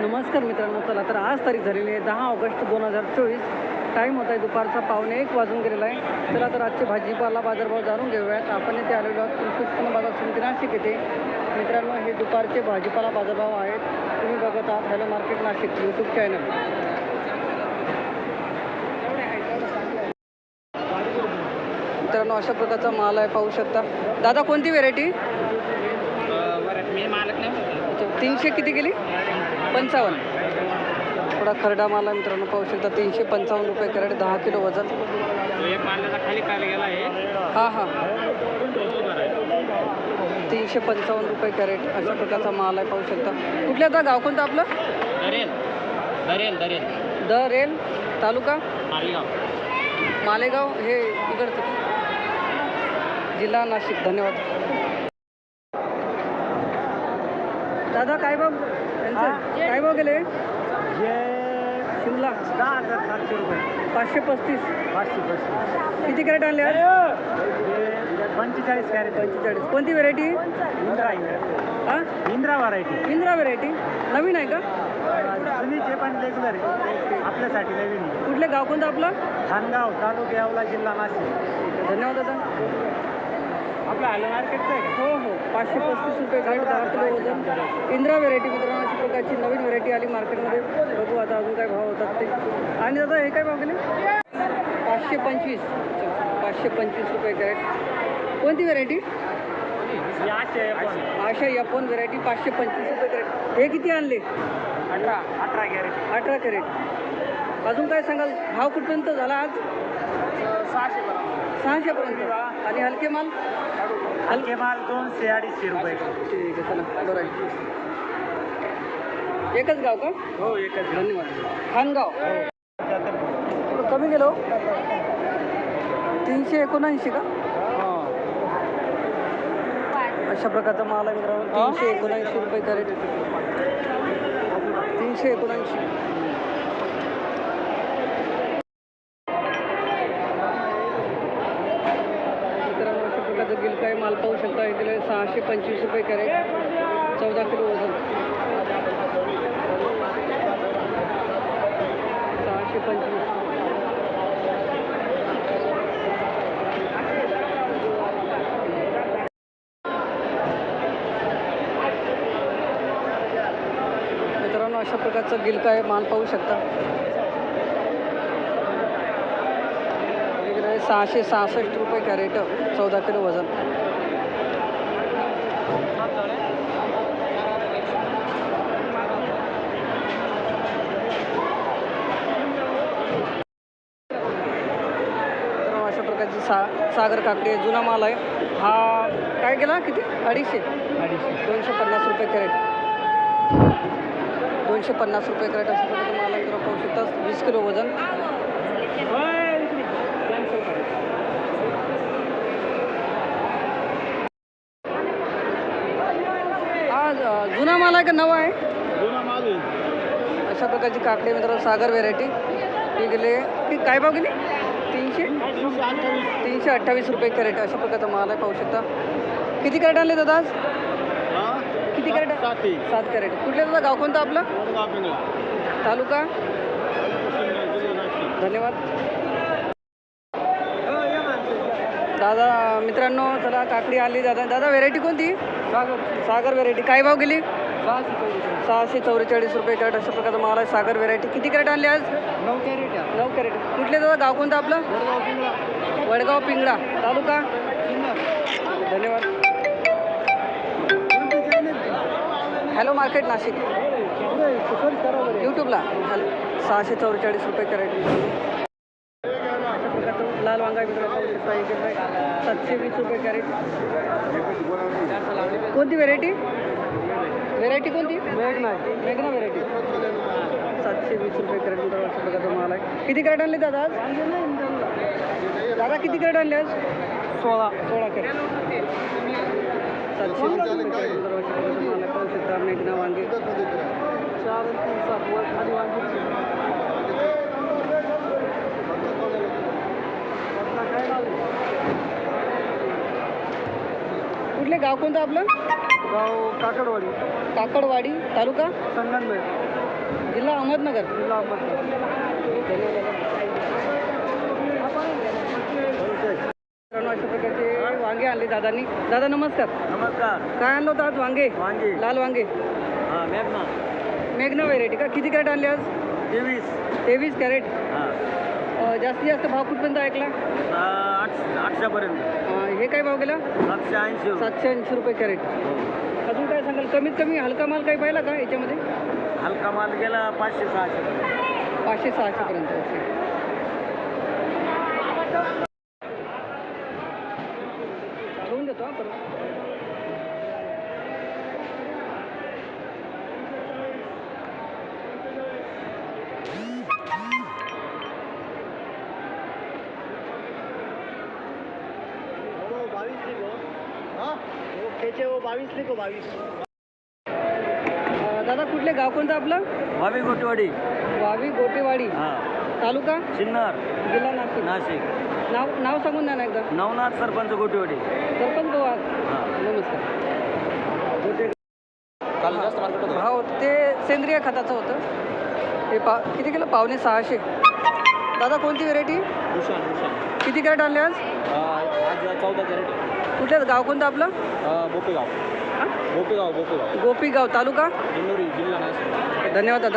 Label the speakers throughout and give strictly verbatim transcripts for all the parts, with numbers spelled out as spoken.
Speaker 1: नमस्कार मित्रांनो, चला तर आज तारीख झालेली आहे दहा ऑगस्ट दोन हजार चोवीस. टाईम होता आहे दुपारचा पावणे एक वाजून गेलेला आहे. चला तर आजचे भाजीपाला बाजारभाव जाणून घेऊयात. आपण इथे आलेलो आहोत कृषी उत्पन्न बाजार समिती नाशिक येथे. मित्रांनो, हे दुपारचे भाजीपाला बाजारभाव आहेत. तुम्ही बघत आहात hello market Nashik YouTube channel. मित्रांनो, अशा प्रकारचा माल आहे, पाहू शकता. दादा, कोणती व्हेरायटी? तीनशे किती गेली? पंचावन्न. थोडा खरडा माल आहे मित्रांनो, पाहू शकता. तीनशे पंचावन्न रुपये कॅरेट, दहा किलो वजन. हां हां तीनशे पंचावन्न रुपये कॅरेट अशा प्रकारचा माल आहे, पाहू शकता. कुठल्या आता गाव कोणतं आपलं?
Speaker 2: दरेल दरेल दरेल
Speaker 1: दरेल तालुका
Speaker 2: मालेगाव.
Speaker 1: मालेगाव हे इकडचं, जिल्हा नाशिक. धन्यवाद. दादा, काय भाव यांचं? काय भाव गेले? शिमला
Speaker 2: दहा हजार सातशे रुपये.
Speaker 1: पाचशे पस्तीस.
Speaker 2: पाचशे पस्तीस.
Speaker 1: किती कॅरेट आणले आज?
Speaker 2: पंचेचाळीस कॅरेट.
Speaker 1: पंचेचाळीस. कोणती व्हेरायटी?
Speaker 2: इंद्रा इंद्रा
Speaker 1: हां,
Speaker 2: इंद्रा व्हरायटी.
Speaker 1: इंद्रा व्हेरायटी नवीन आहे का?
Speaker 2: जुनीचे पण रेग्युलर आहे, आपल्यासाठी नवीन.
Speaker 1: कुठले गाव कोणतं आपलं?
Speaker 2: खानगाव तालुका येवला जिल्हा नाशिक.
Speaker 1: धन्यवाद दादा.
Speaker 2: आपलं हॅलो मार्केटचं आहे का?
Speaker 1: हो हो पाचशे पस्तीस रुपये कॅरेट, दहा किलो वजन. इंद्रा व्हेरायटी मित्रांनो, अशा प्रकारची नवीन व्हेरायटी आली मार्केटमध्ये. बघू आता अजून काय भाव होतात ते. आणि दादा, हे काय भाव गेले? पाचशे पंचवीस. पाचशे पंचवीस रुपये कॅरेट. कोणती व्हेरायटी? आशा यापन व्हेरायटी. पाचशे पंचवीस रुपये कॅरेट. हे किती आणले?
Speaker 2: अठरा अठरा कॅरेट.
Speaker 1: अठरा कॅरेट. अजून काय सांगाल? भाव कुठपर्यंत झाला आज?
Speaker 2: सहाशे
Speaker 1: सहाशेपर्यंत. आणि हलके माल?
Speaker 2: हलके माल दोनशे अडीचशे रुपये.
Speaker 1: ठीक आहे, चला बरं आहे. एकच गाव का?
Speaker 2: हो, एकच.
Speaker 1: धन्यवाद. खानगाव. थोडं कमी गेलो. तीनशे एकोणऐंशी का? अशा प्रकारचा माल आहे मित्रांनो. तीनशे एकोणऐंशी रुपये कॅरेट. तीनशे एकोणऐंशी. मित्रांनो, अशा प्रकारचं गिलकाय माल पाहू शकता. इथे सहाशे पंचवीस रुपये कॅरेट, चौदा किलो वजन. सहाशे पंचवीस. मित्रांनो, अशा प्रकारचं गिलकाय माल पाहू शकता. इकडे सहाशे सहासष्ट रुपये कॅरेट, चौदा किलो वजन. अशा प्रकारची सा सागर काकडी आहे, जुना माल आहे हा. काय केला? किती? अडीचशे.
Speaker 2: अडीचशे.
Speaker 1: दोनशे पन्नास रुपये कॅरेट. दोनशे पन्नास रुपये कॅरेट अशा प्रकारचं माल आहे. पाहू शकता. वीस किलो वजन. आज जुना माल आहे का नवा आहे?
Speaker 2: जुना माल.
Speaker 1: अशा प्रकारची काकडी मित्रांनो, सागर व्हेरायटी. ती गेले ती काय भाव गेली? तीनशे तीनशे अठ्ठावीस रुपये कॅरेट अशा प्रकारचा माल आहे, पाहू शकता. किती कॅरेट आणले दादा आज? किती कॅरेट? सात कॅरेट. कुठले दादा? गाव कोणतं आपलं? तालुका? धन्यवाद दादा. मित्रांनो, चला काकडी आली दादा. दादा, व्हेरायटी कोणती?
Speaker 2: सागर.
Speaker 1: सागर व्हेरायटी. काय भाव गेली?
Speaker 2: सहाशे
Speaker 1: सहाशे चौवेचाळीस रुपये कॅरेट अशा प्रकारचा माल आहे, सागर व्हेरायटी. किती कॅरेट आणले आज?
Speaker 2: नऊ कॅरेट.
Speaker 1: नऊ कॅरेट. कुठले दादा? गाव कोणतं आपलं? वडगाव पिंगळा. तालुका? धन्यवाद. हॅलो मार्केट नाशिक यूट्यूबला. हॅलो. सहाशे चौवेचाळीस रुपये कॅरेट. अशा प्रकारचं लाल वांगा सातशे वीस रुपये कॅरेट. कोणती व्हेरायटी? व्हेरायटी कोणती? मेघना. मेघना व्हेरायटी. सातशे वीस रुपये कॅरेट. अशा प्रकारचा माल आहे. किती कॅरेट आणले दादा आज? दादा, किती कॅरेट आणले आज? सोळा. सोळा कॅरेट. सातशे वीस रुपये कॅरेट. माल आहे, पाहू शकता. मेघना वांगे. चार तीन सात वर खाली वांगे. कुठले गाव कोणतं आपलं?
Speaker 2: गाव काकडवाडी.
Speaker 1: काकडवाडी. तालुका?
Speaker 2: संगमनेर.
Speaker 1: जिल्हा अहमदनगर.
Speaker 2: जिल्हा अहमदनगर.
Speaker 1: मित्रांनो, अशा प्रकारचे वांगे आणले दादांनी. दादा नमस्कार.
Speaker 2: नमस्कार.
Speaker 1: काय आणलं होतं आज वांगे?
Speaker 2: वांगी
Speaker 1: लाल वांगे.
Speaker 2: हां मेघना
Speaker 1: मेघना व्हेरायटी का? किती कॅरेट आणले आज?
Speaker 2: तेवीस.
Speaker 1: तेवीस कॅरेट.
Speaker 2: हां
Speaker 1: अं, जास्तीत जास्त भाव कुठपर्यंत ऐकला?
Speaker 2: आठ आठशेपर्यंत.
Speaker 1: अं, हे काय भाव गेला?
Speaker 2: सातशे ऐंशी.
Speaker 1: सातशे ऐंशी रुपये कॅरेट. अजून काय सांगाल? कमीत कमी हलका माल काही पाहिला का याच्यामध्ये?
Speaker 2: हलका माल गेला पाचशे सहाशे.
Speaker 1: पाचशे सहाशेपर्यंत. ओके. घेऊन देतो आपण.
Speaker 2: बावीस लिखो. हाँ वो खेचे वो बावीस लिखो बावीस.
Speaker 1: दादा कुठले गाव कोणतं आपलं?
Speaker 2: वावी गोटवाडी.
Speaker 1: वावी गोटेवाडी.
Speaker 2: हां
Speaker 1: तालुका
Speaker 2: सिन्नर
Speaker 1: जिल्हा नाशिक.
Speaker 2: नाशिक.
Speaker 1: नाव नाव सांगून द्या ना एकदा.
Speaker 2: नवनाथ सरपंच गोटवाडी.
Speaker 1: सरपंच भाऊ.
Speaker 2: हां
Speaker 1: नमस्कार.
Speaker 2: काल जास्त मार्केट होतं.
Speaker 1: भाव ते सेंद्रिय खताचं होतं. हे पा किती किलो? पावणे सहाशे. दादा कोणती व्हेरायटी?
Speaker 2: भूषण भूषण.
Speaker 1: किती कॅरेट आणले आज?
Speaker 2: आज चौदा कॅरेट.
Speaker 1: कुठलं गाव कोणतं आपलं?
Speaker 2: बोपेगाव. बोपेगाव बोपेगाव.
Speaker 1: गोपीगाव तालुका
Speaker 2: इंदोरी जिल्हा नाशिक.
Speaker 1: धन्यवाद दादा.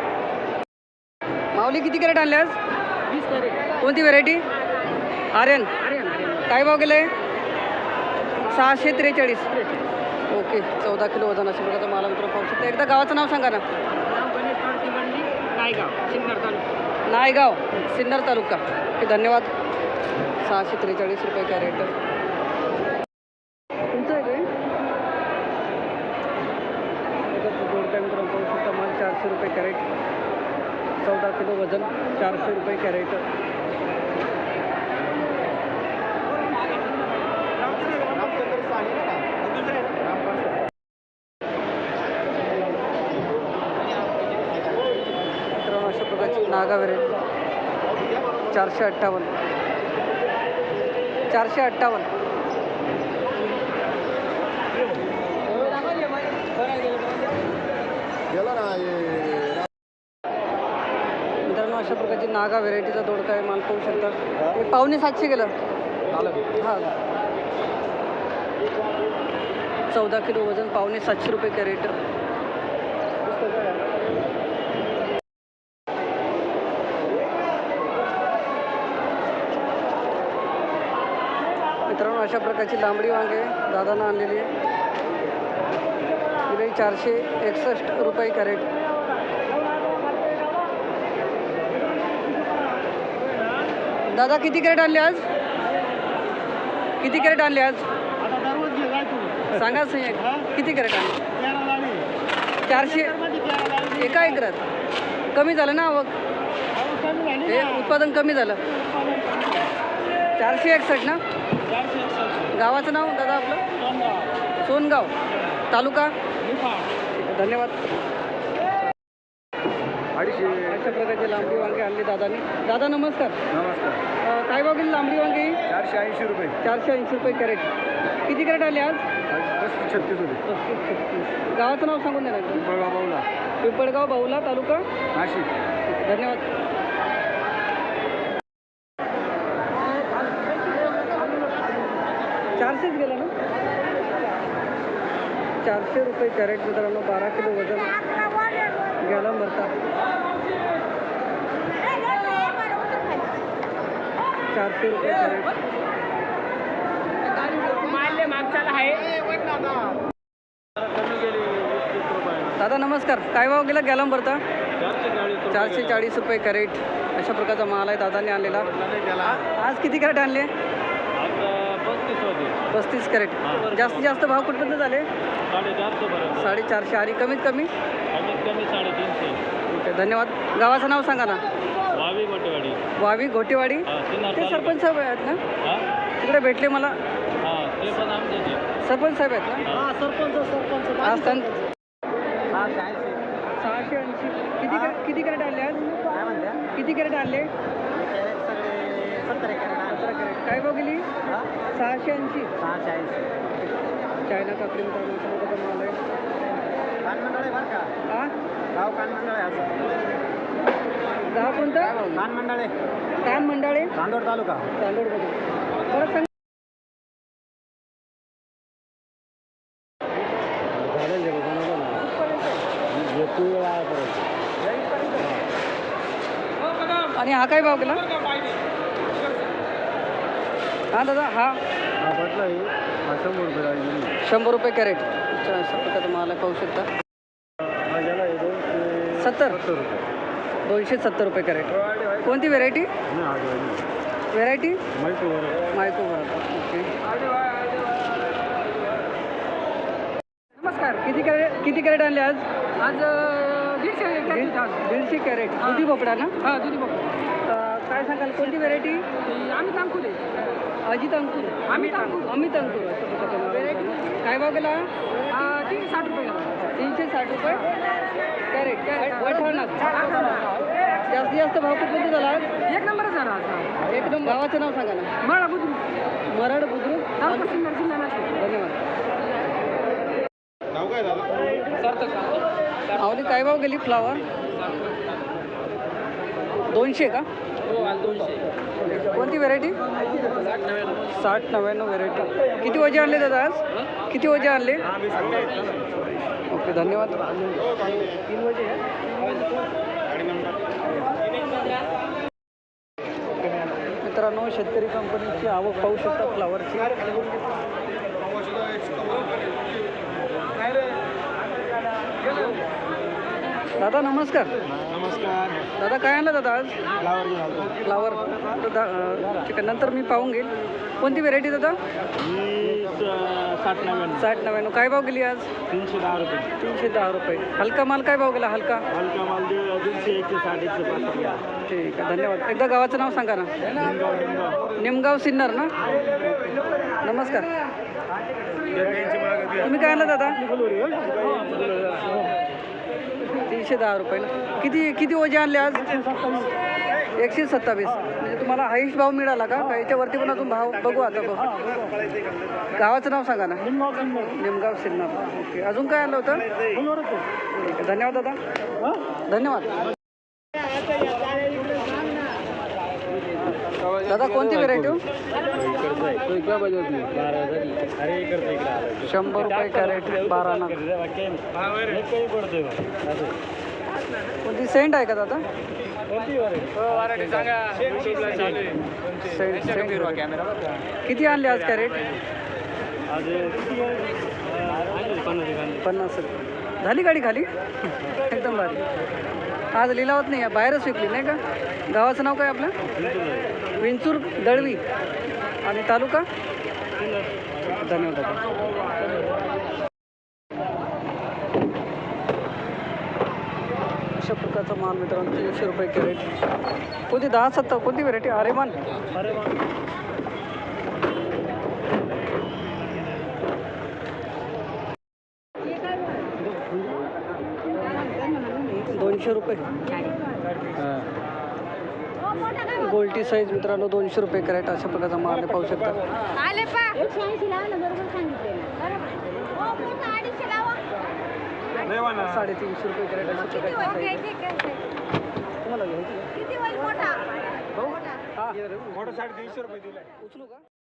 Speaker 1: माऊली किती कॅरेट आणले आज?
Speaker 2: वीस कॅरेट.
Speaker 1: कोणती व्हेरायटी? आर्यन. काय भाव गेलं आहे? सहाशे त्रेचाळीस. ओके. चौदा किलो वजन अशा प्रकारचा मला मित्र पाहू शकता. एकदा गावाचं नाव सांगा ना.
Speaker 2: नायगाव सिन्नर तालुका.
Speaker 1: नायगाव सिन्नर तालुका. ओके धन्यवाद. सहाशे त्रेचाळीस रुपये कॅरेट. तुमचं आहे काय? जोडत्या मित्रांनो पाहू शकता माल चारशे रुपये कॅरेट. चौदा किलो वजन. चारशे रुपये कॅरेट. मित्रांनो अशा प्रकारची नागा व्हेरायटी. चारशे अठ्ठावन्न. चारशे अठ्ठावन्न. मित्रांनो अशा प्रकारची नागा व्हेरायटीचा दोडका आहे. माल पाहू शकता. हे पावणे सातशे गेलं. हां चौदा किलो वजन. पावणे सातशे रुपये कॅरेट. मित्रांनो अशा प्रकारची लांबडी वांगे दादानं आणलेली आहे. दिले चारशे एकसष्ट रुपये कॅरेट. दादा किती कॅरेट आणले आज? किती कॅरेट आणले आज? सांगा सही. किती कॅरेट आणले? चारशे एका एकरात. कमी झालं ना आवक? हे उत्पादन कमी झालं. चारशे एकसष्ट ना? गावाचं नाव दादा आपलं? सोनगाव तालुका. धन्यवाद.
Speaker 2: अडीचशे.
Speaker 1: अशा प्रकारचे लांबडी वांगे आणले दादानी. दादा नमस्कार.
Speaker 2: नमस्कार.
Speaker 1: अं, काय भाव गेली लांबडी वांगे?
Speaker 2: चारशे ऐंशी रुपये.
Speaker 1: चारशे ऐंशी रुपये कॅरेट. किती कॅरेट आले आज?
Speaker 2: पस्तीस छत्तीस होते.
Speaker 1: पस्तीस छत्तीस. गावाचं नाव सांगून द्या ना.
Speaker 2: पिंपळगाव बावला
Speaker 1: पिंपळगाव बाहुला तालुका
Speaker 2: नाशिक.
Speaker 1: धन्यवाद. चारशेच गेला ना? चारशे रुपये कॅरेट मित्रांनो. बारा किलो वजन. गेला भरता. चारशे रुपये कॅरेट. दादा नमस्कार. काय भाव गेला गॅलम भरता? चारशे चाळीस रुपये कॅरेट. अशा प्रकारचा माल आहे दादाने आणलेला. आज किती कॅरेट आणले? पस्तीस कॅरेट. जास्तीत जास्त भाव कुठपर्यंत झाले? साडेचारशे. आणि कमीत कमी? ओके धन्यवाद. गावाचं नाव सांगा ना.
Speaker 2: वावी गोटेवाडी.
Speaker 1: वावी घोटेवाडी. ते सरपंच साहेब आहेत ना? तिकडे भेटले मला. सरपंच साहेब आहेत ना?
Speaker 2: सरपंच सरपंच.
Speaker 1: आज त्यांनी
Speaker 2: सहाशे ऐंशी.
Speaker 1: सहाशे ऐंशी. किती कॅरेट किती कॅरेट आणले आज?
Speaker 2: काय म्हणत्या?
Speaker 1: किती कॅरेट आणले?
Speaker 2: सत्तर
Speaker 1: सतरा कॅरेट. काय भाव गेली? सहाशे ऐंशी.
Speaker 2: सहाशे ऐंशी.
Speaker 1: चायना काकडी मित्रांनो माल आहे.
Speaker 2: बरं का?
Speaker 1: हा
Speaker 2: गाव कान मंडळ आहे
Speaker 1: गाव कोणतं?
Speaker 2: कान मंडळ आहे
Speaker 1: कान मंडाळे,
Speaker 2: चांदोड तालुका.
Speaker 1: चांदोडमध्ये. परत सांग. आणि हा काय भाव केला? हा दादा, हा
Speaker 2: हा बदला आहे हा शंभर रुपये लागेल.
Speaker 1: शंभर रुपये कॅरेट. अच्छा, अशा प्रकारचा माल आहे, पाहू शकता.
Speaker 2: हा गेला आहे दोनशे
Speaker 1: सत्तर
Speaker 2: सत्तर रुपये.
Speaker 1: दोनशे सत्तर रुपये कॅरेट. कोणती व्हेरायटी?
Speaker 2: नाही हा गेला
Speaker 1: व्हेरायटी
Speaker 2: माहिती बरोबर.
Speaker 1: मायको ओके. नमस्कार. किती कॅरेट किती कॅरेट आणले आज?
Speaker 3: आज दीडशे
Speaker 1: दीड- दीडशे कॅरेट. दुधी भोपळा ना?
Speaker 3: हां दुधी बघ
Speaker 1: अं, काय सांगाल, कोणती व्हेरायटी?
Speaker 3: आम्ही सांगतो ते
Speaker 1: अजित अंकुर.
Speaker 3: आम्ही अंकुर.
Speaker 1: अमित अंकुर. अशा प्रकारचा माल आहे. काय भाव केला?
Speaker 3: तीनशे साठ रुपये झाला.
Speaker 1: तीनशे साठ रुपये कॅरेट. वठाणात जास्तीत जास्त भाव कुठे झाला आज?
Speaker 3: एक नंबरच झाला आज.
Speaker 1: एक नंबर. गावाचं नाव सांगा ना.
Speaker 3: मला बुद्रुक
Speaker 1: मरड बुद्रुक.
Speaker 3: तालुका सिन्नर जिल्हा नाशिक.
Speaker 1: धन्यवाद.
Speaker 2: नाव काय झालं?
Speaker 1: आवली काय भाव गेली फ्लावर? दोनशे का?
Speaker 3: हो आज दोनशे.
Speaker 1: कोणती व्हेरायटी? साठ नव्याण्णव व्हेरायटी. किती वजे आणले दादा आज? किती वजे आणले? ओके, धन्यवाद. तीन वजे आहे. मित्रांनो, शेतकरी कंपनीची आवक पाहू शकता फ्लावरची. दादा नमस्कार.
Speaker 2: नमस्कार.
Speaker 1: दादा काय आणलं दादा आज?
Speaker 2: फ्लावर घेऊन आलो.
Speaker 1: फ्लावर. दादा अं, चिकन नंतर मी पाहून घेईल. कोणती व्हेरायटी दादा?
Speaker 2: ही साठ नव्याण्णव.
Speaker 1: साठ नव्याण्णव. काय भाव गेली आज?
Speaker 2: तीनशे दहा रुपये.
Speaker 1: तीनशे दहा रुपये. हलका माल काय भाव गेला? हलका
Speaker 2: हलका माल दीड- दीडशे एकशे साठ एकशे पासष्ट घ्या.
Speaker 1: ठीक आहे, धन्यवाद. एकदा गावाचं नाव सांगा ना.
Speaker 2: निमगाव निमगाव.
Speaker 1: निमगाव सिन्नर ना? नमस्कार. तुम्ही काय आणलं दादा? तीनशे दहा रुपये ना. किती किती ओझे आणले आज? एकशे सत्तावीस. म्हणजे तुम्हाला हाईस्ट भाव मिळाला का? का याच्यावरती पण अजून भाव बघू आता बघू. गावाचं नाव सांगा ना. निमगाव सिन्नर. ओके. अजून काय आणलं होतं? ठीक आहे, धन्यवाद दादा. धन्यवाद. दादा कोणती व्हेरायटी? शंभर रुपये कॅरेट. बारा ना. कोणती सेंट आहे का दादा? सेंट सेंट. किती आणले आज कॅरेट? पन्नास रुपये. झाली गाडी खाली? एकदम भारी. आज लिलावत नाही, बाहेरच विकली नाही का? गावाचं नाव काय आपलं? विंचूर दळवी. आणि तालुका? धन्यवाद. अशा प्रकारचा माल मित्रांनो, तीनशे रुपये कॅरेट. कोणती? दहा सत्ता. कोणती व्हेरायटी? आरेमान. दोनशे रुपये. गोल्टी साईज मित्रांनो, दोनशे रुपये कॅरेट. अशा प्रकारचा माल पाहू शकता.
Speaker 4: आले पा एकशे ऐंशी लावा ना, बरोबर सांगितले ना.
Speaker 1: साडेतीनशे रुपये कॅरेट. अशा प्रकारची साईज. तुम्हाला घ्यायची?
Speaker 4: किती वय मोठा?
Speaker 1: भाऊ? हा.
Speaker 2: मोठं साडेतीनशे रुपये दिलं.
Speaker 1: उचलू का?